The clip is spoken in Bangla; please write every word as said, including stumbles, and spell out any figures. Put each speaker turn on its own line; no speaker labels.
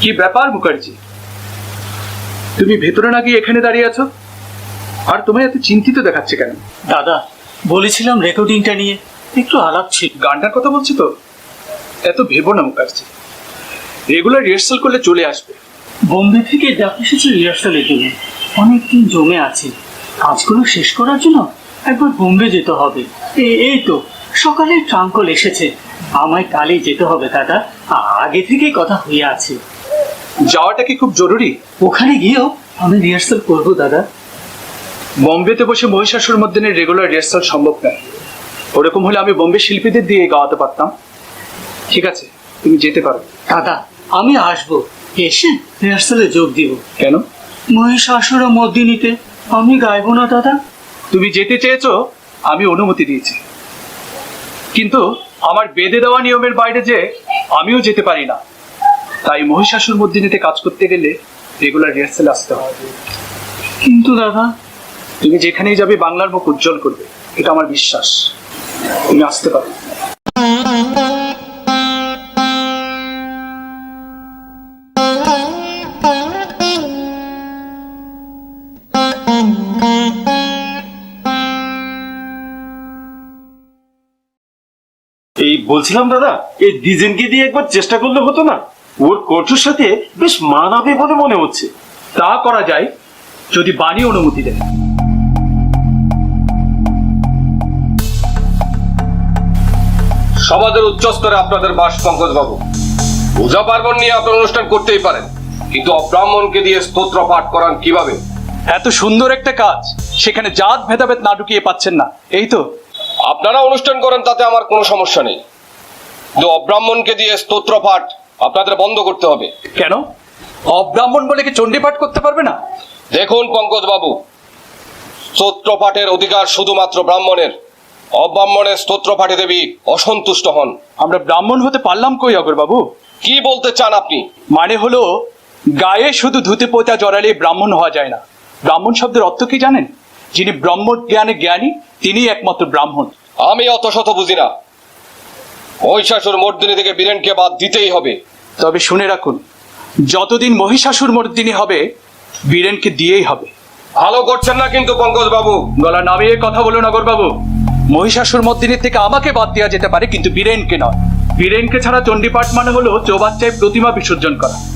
কি ব্যাপার মুখার্জি, তুমি ভেতরে না গিয়ে এখানে দাঁড়িয়ে আছো? আর তোমায় এত চিন্তিত দেখাচ্ছে কেন?
দাদা, বলেছিলাম রেকর্ডিংটা নিয়ে একটু আলাপ ছিল।
গানটার কথা বলছি তো, এত ভেবো না মুখার্জি। রেগুলার রিহার্সাল করলে চলে আসবে।
বোম্বে থেকে ডাক এসেছে রিহার্সালের জন্য। অনেকদিন জমে আছে, কাজগুলো শেষ করার জন্য একবার বোম্বে যেতে হবে। এ- এই তো সকালে ট্রাঙ্কল এসেছে, আমায় কালই যেতে হবে দাদা। আগে থেকেই কথা হয়ে আছে।
যাওয়াটা কি খুব জরুরি?
ওখানে গিয়েও আমি রিহার্সাল করবো দাদা।
বোম্বেতে বসে মহিষাসুর মর্দিনের রেগুলার রিহার্সাল সম্ভব নয়। ওরকম হলে আমি বোম্বে শিল্পীদের দিয়ে গাওয়াতে পারতাম। ঠিক আছে, তুমি যেতে পারো।
দাদা, আমি আসবো, এসে রিহার্সালে যোগ দিব।
কেন?
মহিষাসুর ও মর্দিনীতে আমি গাইবো না দাদা?
তুমি যেতে চেয়েছো, আমি অনুমতি দিয়েছি, কিন্তু আমার বেঁধে দেওয়া নিয়মের বাইরে যে আমিও যেতে পারি না। তাই মহিষাসুর মর্দিনীতে কাজ করতে গেলে রেগুলার রিহার্সালে আসতে হবে।
কিন্তু দাদা,
তুমি যেখানেই যাবে বাংলার মুখ উজ্জ্বল করবে, এটা আমার বিশ্বাস। তুমি আসতে পারো।
এই বলছিলাম দাদা, এই ডিজেনকে দিয়ে একবার চেষ্টা করলে হতো না? ওর কণ্ঠের সাথে বেশ মানাবে বলে মনে হচ্ছে।
তা করা যায় যদি বাণী অনুমতি দেয়।
সমাজের উচ্চ স্তরে আপনাদের বাস পঙ্কজ বাবু। পূজা পার্বণ নিয়ে আপনার অনুষ্ঠান করতেই পারেন, কিন্তু অব্রাহ্মণকে দিয়ে স্তোত্র পাঠ করান কিভাবে?
এত সুন্দর একটা কাজ, সেখানে জাত ভেদাভেদ না ঢুকিয়ে পাচ্ছেন না, এই তো।
আপনারা অনুষ্ঠান করেন, তাতে আমার কোনো সমস্যা নেই, কিন্তু অব্রাহ্মণকে দিয়ে স্তোত্র পাঠ আপনাদের বন্ধ করতে হবে।
কেন? অব্রাহ্মণ বলে কি চণ্ডী পাঠ করতে পারবে না?
দেখুন পঙ্কজ বাবু, স্তোত্র পাঠের অধিকার শুধুমাত্র ব্রাহ্মণের। অব্রাহ্মণের স্তোত্র পাঠে দেবী অসন্তুষ্ট হন।
আমরা ব্রাহ্মণ হতে পারলাম কই অগর বাবু?
কি বলতে চান আপনি?
মানে হলো, গায়ে শুধু ধুতি পোতা জড়ালে ব্রাহ্মণ হওয়া যায় না। ব্রাহ্মণ শব্দের অর্থ কি জানেন? যিনি ব্রহ্ম জ্ঞানে জ্ঞানী, তিনি একমাত্র ব্রাহ্মণ।
আমি অত শত বুঝি না। মহিষাসুর মর্দিনী থেকে বীরেনকে বাদ দিতেই হবে।
তবে শুনে রাখুন, যতদিন মহিষাসুর মর্দিনী হবে, বীরেনকে দিয়েই হবে।
ভালো করছেন না কিন্তু পঙ্কজ বাবু।
গলা নামিয়ে কথা বলুন অগর বাবু। মহিষাসুর মর্দিনীর থেকে আমাকে বাদ দেওয়া যেতে পারে, কিন্তু বীরেনকে নয়। বীরেনকে ছাড়া চণ্ডীপাঠ মানে হলো চৌবাচ্চায় প্রতিমা বিসর্জন করা।